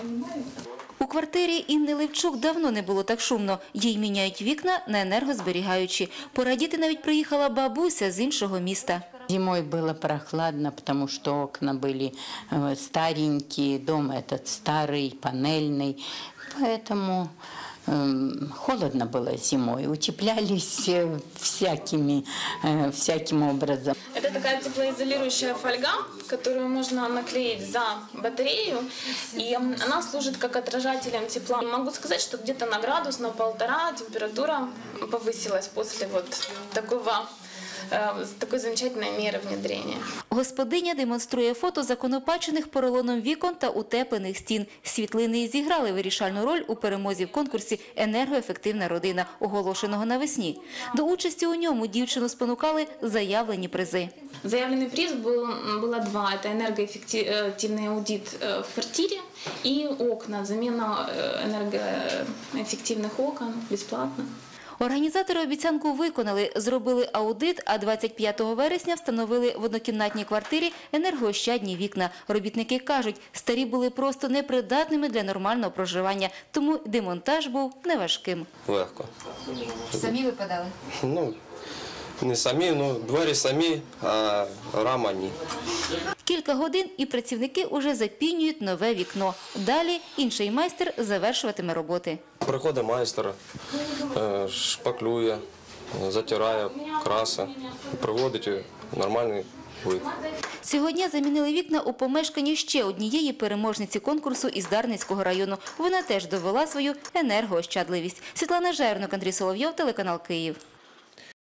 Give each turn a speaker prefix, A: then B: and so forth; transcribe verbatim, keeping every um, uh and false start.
A: У квартирі Інни Левчук давно не було так шумно. Їй міняють вікна на енергозберігаючі. Порадіти навіть приїхала бабуся з іншого міста.
B: Зимой было прохладно, потому что окна были старенькие, дом этот старый, панельный, поэтому э, холодно было зимой, утеплялись всякими, э, всяким образом.
C: Это такая теплоизолирующая фольга, которую можно наклеить за батарею, и она служит как отражателем тепла. Могу сказать, что где-то на градус, на полтора температура повысилась после вот такого з такої замечательної міри внедрення.
A: Господиня демонструє фото законопачених поролоном вікон та утеплених стін. Світлини зіграли вирішальну роль у перемозі в конкурсі «Енергоефективна родина», оголошеного навесні. До участі у ньому дівчину спонукали заявлені призи.
C: Заявлений приз було два. Це енергоефективний аудит в квартирі і окна, заміна енергоефективних окон безплатно.
A: Організатори обіцянку виконали, зробили аудит, а двадцять п'ятого вересня встановили в однокімнатній квартирі енергоощадні вікна. Робітники кажуть, старі були просто непридатними для нормального проживання, тому демонтаж був неважким.
D: Легко.
A: Самі випадали?
D: Ну, не самі, ну, двері самі, а рама ні.
A: Кілька годин і працівники уже запінюють нове вікно. Далі інший майстер завершуватиме роботи.
D: Приходить майстер, шпаклює, затирає, краси, приводить в нормальний вид.
A: Сьогодні замінили вікна у помешканні ще однієї переможниці конкурсу із Дарницького району. Вона теж довела свою енергоощадливість. Світлана Жернок, Андрій Соловйов, телеканал Київ.